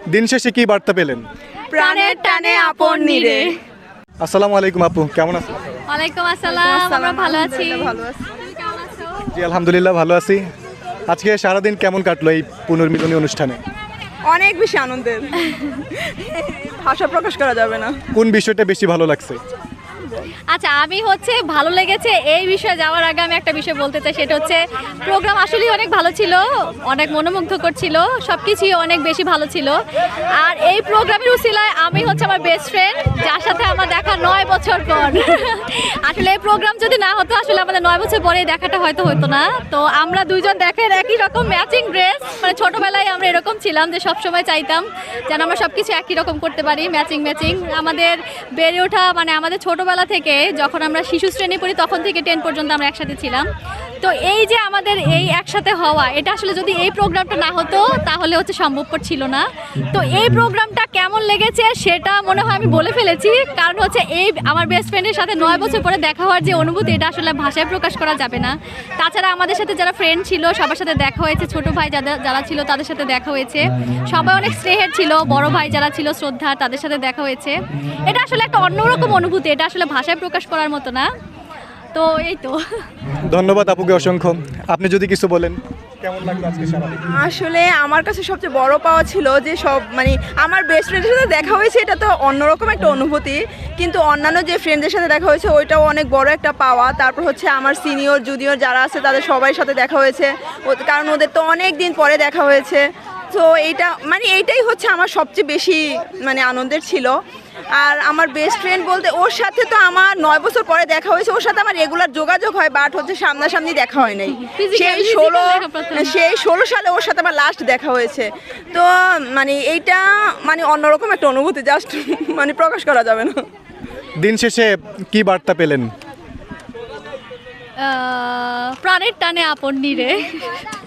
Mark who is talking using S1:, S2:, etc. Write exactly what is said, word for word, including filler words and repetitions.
S1: দিন শেষে কি বার্তা পেলেন?
S2: প্রাণের টানে আপন নিরে।
S1: আসসালামু আলাইকুম আপু, কেমন আছেন?
S3: ওয়ালাইকুম আসসালাম, আমরা ভালো আছি।
S2: ভালো আছি।
S1: জি আলহামদুলিল্লাহ ভালো আছি। আজকে সারাদিন কেমন কাটলো এই পুনর্মিলনী অনুষ্ঠানে?
S2: অনেক বেশি আনন্দের, ভাষা প্রকাশ করা যাবে না।
S1: কোন বিষয়টা বেশি ভালো লাগছে?
S3: আচ্ছা, আমি হচ্ছে ভালো লেগেছে এই বিষয়ে যাওয়ার আগে আমি একটা বিষয় বলতে চাই, সেটা হচ্ছে প্রোগ্রাম আসলেই অনেক ভালো ছিল, অনেক মনোমুগ্ধকর ছিল, সব কিছুই অনেক বেশি ভালো ছিল। আর এই প্রোগ্রামের উসিলায় আমি হচ্ছে আমার বেস্ট ফ্রেন্ড, যার সাথে আমার দেখা নয় বছর পর। আসলে এই প্রোগ্রাম যদি না হতো আসলে আমাদের নয় বছর পরে এই দেখাটা হয়তো হতো না। তো আমরা দুইজন দেখেন একই রকম ম্যাচিং ড্রেস, মানে ছোটোবেলায় আমরা এরকম ছিলাম যে সবসময় চাইতাম যেন আমরা সব কিছু একই রকম করতে পারি, ম্যাচিং ম্যাচিং। আমাদের বেড়ে ওঠা মানে আমাদের ছোটোবেলা থেকে যখন আমরা শিশু শ্রেণী পড়ি তখন থেকে টেন পর্যন্ত আমরা একসাথে ছিলাম। তো এই যে আমাদের এই একসাথে হওয়া, এটা আসলে যদি এই প্রোগ্রামটা না হতো তাহলে হচ্ছে সম্ভবপর ছিল না। তো এই প্রোগ্রামটা কেমন লেগেছে সেটা মনে হয় আমি বলে ফেলেছি, কারণ হচ্ছে এই আমার বেস্ট ফ্রেন্ডের সাথে নয় বছর পরে দেখা হওয়ার যে অনুভূতি, এটা আসলে ভাষায় প্রকাশ করা যাবে না। তাছাড়া আমাদের সাথে যারা ফ্রেন্ড ছিল সবার সাথে দেখা হয়েছে, ছোট ভাই যারা যারা ছিল তাদের সাথে দেখা হয়েছে, সবাই অনেক স্নেহের ছিল, বড় ভাই যারা ছিল শ্রদ্ধা তাদের সাথে দেখা হয়েছে। এটা আসলে একটা অন্যরকম অনুভূতি, এটা আসলে ভাষায় প্রকাশ করার মতো না। তো এই তো,
S1: ধন্যবাদ আপুকে অসংখ্য। আপনি যদি কিছু বলেন, কেমন লাগলো আজকে সারাদিন?
S2: আসলে আমার কাছে সবচেয়ে বড় পাওয়া ছিল যে সব মানে আমার বেস্ট ফ্রেন্ডের সাথে দেখা হয়েছে, এটা তো অন্যরকম একটা অনুভূতি। কিন্তু অন্যান্য যে ফ্রেন্ডদের সাথে দেখা হয়েছে ওইটাও অনেক বড় একটা পাওয়া। তারপর হচ্ছে আমার সিনিয়র জুনিয়র যারা আছে তাদের সবাই সাথে দেখা হয়েছে, ও- কারণ ওদের তো অনেক দিন পরে দেখা হয়েছে। তো এইটা মানে এইটাই হচ্ছে আমার সবচেয়ে বেশি মানে আনন্দের ছিল। আর আমার বেস্ট ফ্রেন্ড বলতে ওর সাথে তো আমার নয় বছর পরে দেখা হয়েছে, ওর সাথে আমার রেগুলার যোগাযোগ হয়, বাট হচ্ছে সামনাসামনি দেখা হয় নাই।
S3: Physical-
S2: সেই
S3: physical
S2: ষোলো
S3: দেখা প্রথম।
S2: সেই ষোলো সালে ওর সাথে আমার লাস্ট দেখা হয়েছে। তো মানে এইটা মানে অন্যরকম একটা অনুভূতি, জাস্ট মানে প্রকাশ করা যাবে না।
S1: দিন শেষে কি বার্তা পেলেন?
S3: আহ, প্রাণের টানে আপন নিরে।